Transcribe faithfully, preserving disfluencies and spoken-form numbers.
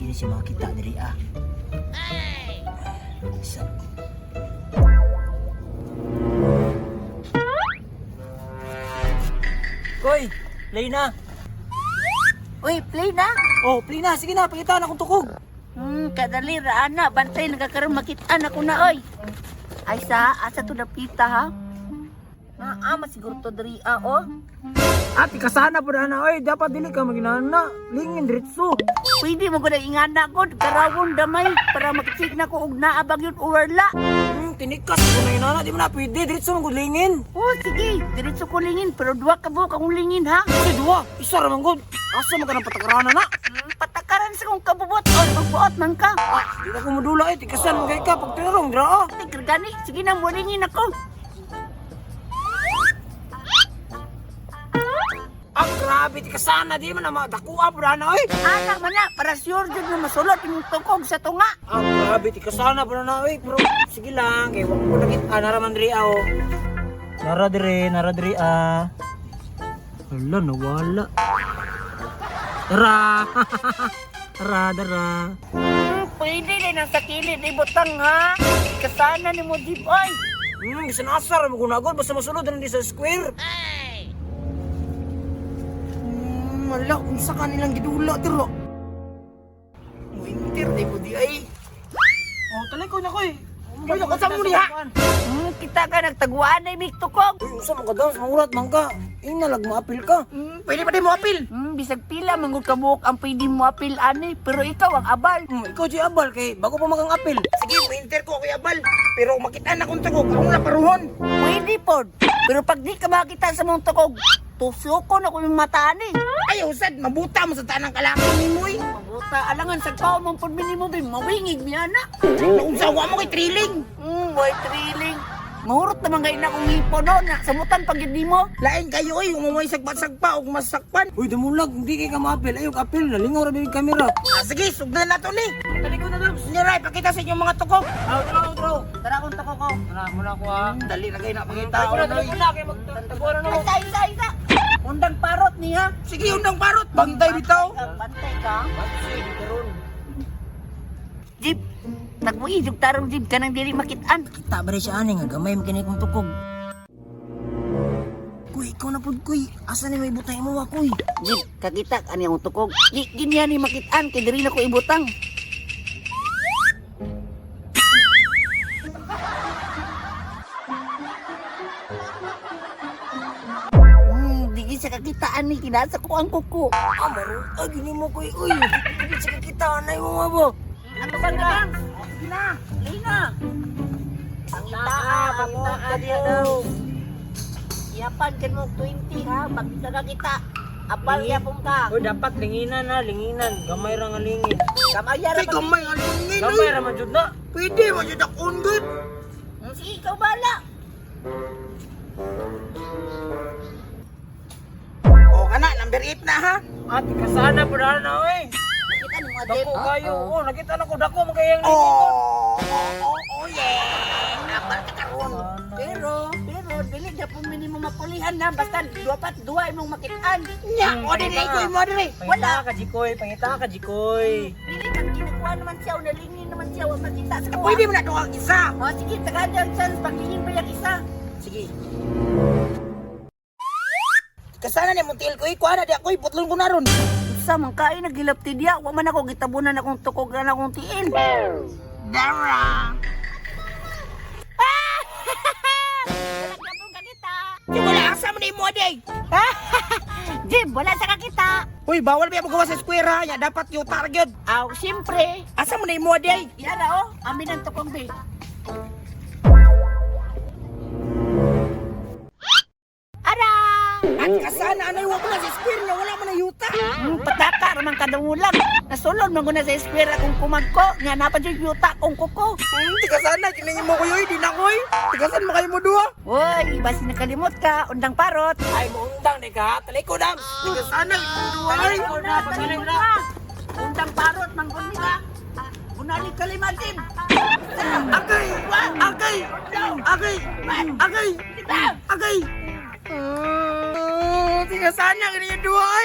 Hindi siya makita diri ah. Isa. Koy, play na. Uy, play na. Oh, play na. Sige na, pakita na akong tukog. Hmm, kadali ra ana, bantay nagkakaroon makitaan ako na oy. Ay sa asa to napita ha? Naa masiguro to diri ah oh. Ati kasana po na oy, dapat dili ka maginana. Lingin diretso. Pwede mo ko na ingana ko karawon damay para makisig na ko og naabag yun uwarla. Hmm, tinikas ko na inana, di mo na pwede diretso mong lingin. Oh sige, diretso ko lingin pero duwa ka buok akong lingin ha. Kasi duwa, isa ra man gud. Asa man ka nang patakaranan na? Hmm, patakaran sa kong kabubot o magbuot man ka. Ah, di na ko madula eh, tikasan mo kay ka pag tinarong dira ah. Tigre gani, sige na mo lingin ako. Ah, grabe, tikasana di man na madakuha po na oy. Anak man na, para sure jud na masulot yung tukog sa tunga. Ah, grabe, tikasana po na oy. Pero sige lang, kay wag ko nakit ah, naraman diri ah oh. Nara diri, nara diri ah. Hala, nawala. Tara. Tara, tara. Hmm, pwede rin ang sa kilid ibutang ha. Kasana ni mo Jeep oy. Hmm, isanasar mo gunagod basta masulod rin di sa square. Hmm, wala, unsa ka nilang gidula tiro. Winter di mo di ay. Oh, talay ko na ko eh. Uy, ako sa muli ha. Hmm, kita ka nagtaguan na imig tukog. Uy, unsa man ka daw, mangurat man ka. Ina lag maapil ka. Hmm, pwede pa din mo apil. Hmm, bisag pila mangod ka buok ang pwede mo apil ani, pero ikaw ang abal. Hmm, ikaw di abal kay bago pa magang apil. Sige, winter ko kay abal. Pero makita na kung tagog, ako na paruhon. Pwede pod. Pero pag di ka makita sa mong tukog, tusukon ako yung mata ani. Ay, usad, mabuta mo sa tanang kalaki ni mo eh. Mabuta alangan sa kao mong pudmini mo bin mawingig niya na. Naunsawa mo kay Triling. Hmm, boy thrilling. Mahurot naman kayo na kung hipo no, na samutan pag hindi mo. Lain kayo eh, umumay sagpat-sagpa o masakpan. Uy, damulag, hindi kayo ka maapil. Ayok, apil, nalingaw ra bibig kamera. Ah, sige, sugdan na to ni. Dali ko na daw. Niray, pakita sa inyong mga tukok. Ah, draw, draw. Tara akong tako ko. Tara, muna ko ha. Dali na kayo na pakita. Ay, muna, dali muna kayo magtataguan na mo. Isa, isa, isa. Undang parot niya. Sige, undang parot. Bantay bitaw. Bantay ka. Jeep, nagmuidog tarong Jeep ka nang dili makitaan. Kita ba rin siya ani nga, gamay makinay kong tukog. Kuy, ikaw na po, kuy. Asa ni may butay mo, kuy? Jeep, kakita ani ang tukog. Di ganyan ni makitaan kay diri na ko ibutang. Hmm, di sa kakitaan ni kinasa ko ang kuko. Ah, maro. Ah, gini mo, kuy. Uy, hindi siya kakita. Anay mo, mabo. Ano ba na? Sige na, Lina. Ang itaan, ang itaan daw. Yapan ka mo twenty ha, magkita ka kita. Apal yapon ka. Uy, dapat linginan na, linginan. Gamay ra nga lingin. Kamaya ra Ay, gamay nga lingin. Gamay ra man jud na. Pwede, man jud akong good. Sige, ikaw bala. O, kana, number eight na ha. Ate, kasana po na na, uy. Nakita ni mo, Jeep. Dako kayo. Oh, nakita na ko, dako magkayang lingin. Oh, oh, oh, yeah. Napal ka karon. Pero, pero, dili na po minimum mapulihan na. Basta, duwapat, duwa imong makitaan. Nya, o, dili ko mo, dili. Wala. Pangita ka, Jikoy. Pangita ka, Jikoy. Dili kang kinakuha naman siya, o nalingin naman siya, o makita sa kuha. Pwede mo na doon ang isa. O, sige, tagad ang chance, paglingin pa yung isa. Sige. Kasana ni Montiel ko, ikuha na di ako, iputlon ko na ron. Sa mga kain, nagilapti diya. Huwag man ako, gitabunan akong tukog na akong tiin. Dara! Nagkapong kakita. Di wala, asa mo na imo, aday. Jim, wala sa kakita. Uy, bawal ba yung magawa sa square ha? Ya, dapat yung target. Aw, siyempre. Asa mo na imo, aday? Yan na, oh. Amin ang tukog, be. Ara! At kasana, ano yung wala sa square niya? Wala mo na yuta. Hmm, pataka, ramang kadungulang. Nasulod mo na sa espira kung kumagko. Nga napan yung yuta kung kuko. Hmm, di kasana, kinangin mo ko yoy, di na koy. Di kasan mo kayo mo duha. Uy, basi nakalimot ka. Undang parot. Ay, mo undang, di ka. Talay ko dam. Di kasana, itong duha. Ay, na, pagaling na. Undang parot, mangkundi ka. Bunalik ka lima, Jim. Agay! Agay! Agay! Agay! Agay! Oh, di kasana, ganyan yung duha.